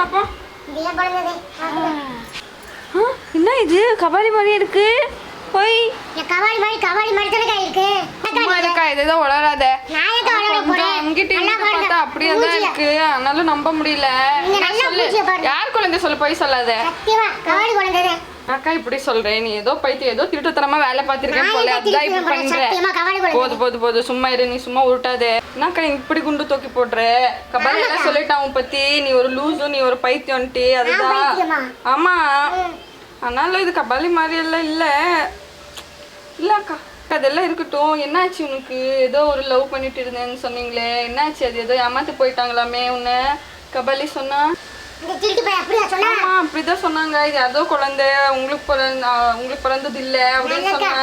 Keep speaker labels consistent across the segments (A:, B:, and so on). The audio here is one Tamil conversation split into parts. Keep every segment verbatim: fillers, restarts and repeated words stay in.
A: பாப்போம். என்ன இது கபாலி மாதிரி இருக்கு? போய்
B: கபாலி மாதிரி கபாலி மாதிரி தானே இருக்கு.
A: சும்மா இருக்கா? ஏதோ உளறாத.
B: நான் ஏதோ உளற போறேன்.
A: அங்கிட்ட இருந்து பார்த்தா அப்படியே தான் இருக்கு. அதனால நம்ப முடியல. யார் குழந்தை சொல்ல போய் சொல்லாத.
B: சத்தியமா கபாலி குழந்தை.
A: அக்கா இப்படி சொல்றேன், நீ ஏதோ பைத்தியம் ஏதோ திருட்டுத்தனமா வேலை பார்த்திருக்கேன் போல, அதான் இப்படி பண்ற. போது போது போது சும்மா இரு, நீ சும்மா உருட்டாத. என்னக்கா இப்படி குண்டு தூக்கி போடுற? கபாலி எல்லாம் சொல்லிட்டான் உன் பத்தி, நீ ஒரு லூசு, நீ ஒரு பைத்தியம்ட்டு. அதுதான் ஆமா. ஆனாலும் இது கபாலி மாதிரி எல்லாம் இல்ல இல்ல அக்கா. அதெல்லாம் இருக்கட்டும். என்னாச்சு உனக்கு? ஏதோ ஒரு லவ் பண்ணிட்டு இருந்தேன்னு சொன்னீங்களே, என்னாச்சு? அது ஏதோ ஏமாத்து போயிட்டாங்களாமே உன்னை கபாலி சொன்னா? அப்படிதான் சொன்னாங்க. இது ஏதோ குழந்தை உங்களுக்கு பிறந்த உங்களுக்கு பிறந்தது இல்ல அப்படின்னு சொன்னா.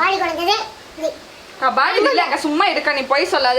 A: கபாலி இல்ல, சும்மா இருக்கா, நீ போய் சொல்லாத.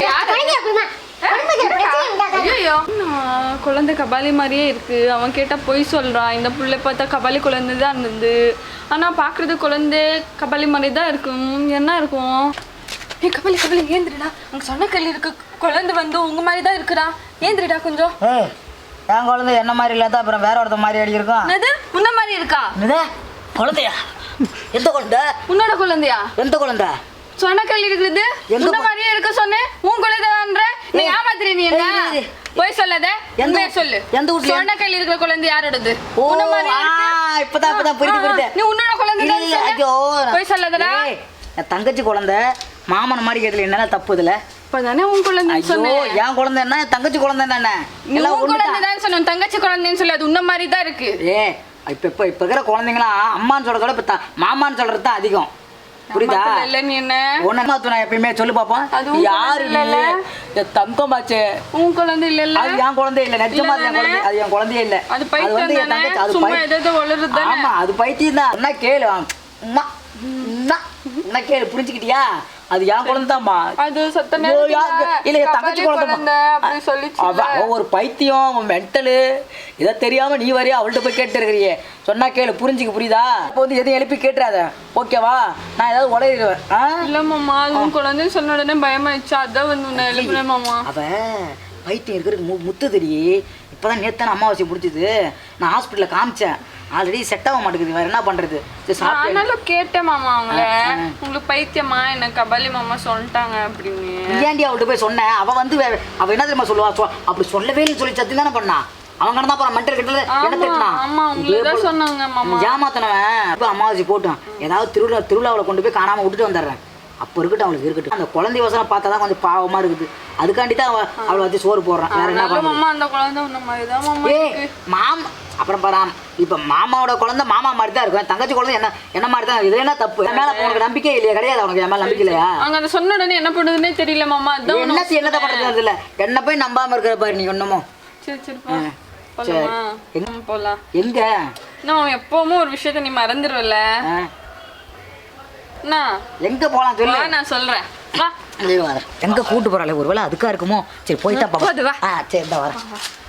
A: ஐயோ குழந்தை கபாலி மாதிரியே இருக்கு. அவன் கேட்டா பொய் சொல்றான். இந்த புள்ளை பார்த்தா கபாலி குழந்தை தான் இருந்தது, ஆனா பாக்குறது குழந்தை கபாலி மாதிரி தான் இருக்கும். என்ன இருக்கும்? ஏ கபாலி கபாலி ஏந்திரிடா, அங்க சொன்ன கல்லி இருக்கு. குழந்தை வந்து உங்க மாதிரி தான் இருக்குடா, ஏந்திரிடா கொஞ்சம்.
C: என் குழந்தை என்ன மாதிரி இல்லாத அப்புறம் வேற ஒருத்த மாதிரி அடி இருக்கும்.
A: என்னது உன்ன மாதிரி இருக்கா?
C: என்னது குழந்தையா? எந்த குழந்தை?
A: உன்னோட குழந்தையா?
C: எந்த குழந்தை?
A: சொன்னக்கல் இருக்குது உன்ன மாதிரியே இருக்க சொன்னேன். உன் குழந்தைன்ற நீ ஏமாத்துற. நீ என்ன போய் சொல்லாத, உண்மையை சொல்லு.
C: எந்த ஊர்ல
A: சொன்னக்கல் இருக்கிற குழந்தை யாரோடது?
C: உன்ன மாதிரி இப்பதான் இப்பதான் புரியுது புரியுது.
A: நீ உன்னோட குழந்தை போய் சொல்லாதடா.
C: என் தங்கச்சி குழந்தை மாமன் மாதிரி கேட்டல, என்ன தப்பு இதுல?
A: இப்பதானே உன் குழந்தை சொன்னேன்.
C: என் குழந்தை என்ன தங்கச்சி குழந்தை என்ன?
A: நீ உன் குழந்தை தான் சொன்ன, தங்கச்சி குழந்தைன்னு சொல்லி. அது உன்ன மாதிரி தான் இருக்கு.
C: ஏ இப்ப இப்ப இப்ப இருக்கிற குழந்தைங்களாம் அம்மான்னு சொல்றத விட இப்ப மாமான்னு சொல்றது தான் அதிகம். புரியுதா?
A: இல்ல நீ என்ன
C: ஒன்னு எப்பயுமே சொல்லு பாப்போம். யாரு இல்ல தங்கம் பாச்சு
A: உன் குழந்தை இல்ல.
C: அது என் குழந்தை இல்ல, நிஜமா என் குழந்தை. அது என் குழந்தையே இல்ல.
A: அது பைத்தியம் தானே, சும்மா ஏதோ வளருது.
C: ஆமா அது பைத்தியம் தான். என்ன கேளு, அம்மா என்ன கேளு, புரிஞ்சுக்கிட்டியா? அது என் குழந்தை தான்மா.
A: அது சத்த நேரத்துல
C: இல்ல தங்கச்சி குழந்தை
A: அப்படி சொல்லிச்சு.
C: ஒரு பைத்தியம் மென்டலு இதை தெரியாம நீ வரையா அவள்கிட்ட போய் கேட்டு இருக்கிறியே. சொன்னா கேளு, புரிஞ்சுக்க. புரியுதா? இப்போ வந்து எதையும் எழுப்பி கேட்டுறாத, ஓகேவா? நான் ஏதாவது உடையிடுவேன்.
A: இல்ல மாமா, அது குழந்தைன்னு சொன்ன உடனே பயமாயிடுச்சு, அதான் வந்து உன்னை எழுப்புறேன் மாமா.
C: அவ பைத்தியம் இருக்கிறதுக்கு முத்து தெரியே. இப்பதான் நேத்தான அமாவாசை பிடிச்சது. நான் ஹாஸ்பிட்டல்ல காமிச்சேன். ஆல்ரெடி செட் ஆக மாட்டேங்குது, வேற என்ன பண்றது?
A: ஆனாலும் கேட்டேன் மாமா அவங்கள, உங்களுக்கு பைத்தியமா என்ன கபாலி மாமா சொல்லிட்டாங்க அப்படின்னு.
C: ஏன்டி அவள்கிட்ட போய் சொன்னேன்? அவ வந்து அவ என்ன தெரியுமா சொல்லுவா? அப்படி சொல்லவே இல்லைன்னு சொல்லி சத்தி தானே பண்ணா. அவங்க தான் போற மென்டல் கிட்ட என்ன திட்டினா
A: சொன்னாங்க மாமா.
C: ஏமாத்தனவன் இப்ப அமாவாசை போட்டான். ஏதாவது திருவிழா திருவிழாவில் கொண்டு போய் காணாம விட்டுட்டு வந்துடுறேன். அப்போ இருக்கட்டும், அவளுக்கு இருக்கட்டும். அந்த குழந்தை வசனம் பார்த்தா தான் கொஞ்சம் பாவமா இருக்குது. அதுக்காண்டி தான் அவளை வச்சு சோறு போடுறான். வேற என்ன
A: பண்ணுமா? அந்த குழந்தை உன்ன மாதிரி தான் மாமா.
C: ஏ மாமா அப்புறம் பாராம். இப்ப மாமாவோட குழந்தை மாமா மாதிரி தான் இருக்கும். தங்கச்சி குழந்தை என்ன என்ன மாதிரி தான். இது என்ன தப்பு? என் மேல உனக்கு நம்பிக்கை இல்லையா? கிடையாது உனக்கு என் மேல நம்பிக்கை இல்லையா?
A: அங்க அதை சொன்ன உடனே என்ன பண்ணுதுன்னே தெரியல மாமா. அதான்
C: என்ன என்னத பண்றது இல்ல. என்ன போய் நம்பாம இருக்கிற பாரு நீ ஒண்ணுமோ.
A: சரி சரி போ. போலாமா? எங்க போலாம்?
C: எங்க?
A: நான் எப்பவுமே ஒரு விஷயத்தை நீ மறந்துடுவல.
C: எங்க போலாம் சொல்லு,
A: நான் சொல்றேன். வா.
C: எங்க கூட்டு போறாளே, ஒருவேளை அதுக்கா இருக்குமோ? சரி போயிட்டா பாப்பா. சரி இந்த வரேன்.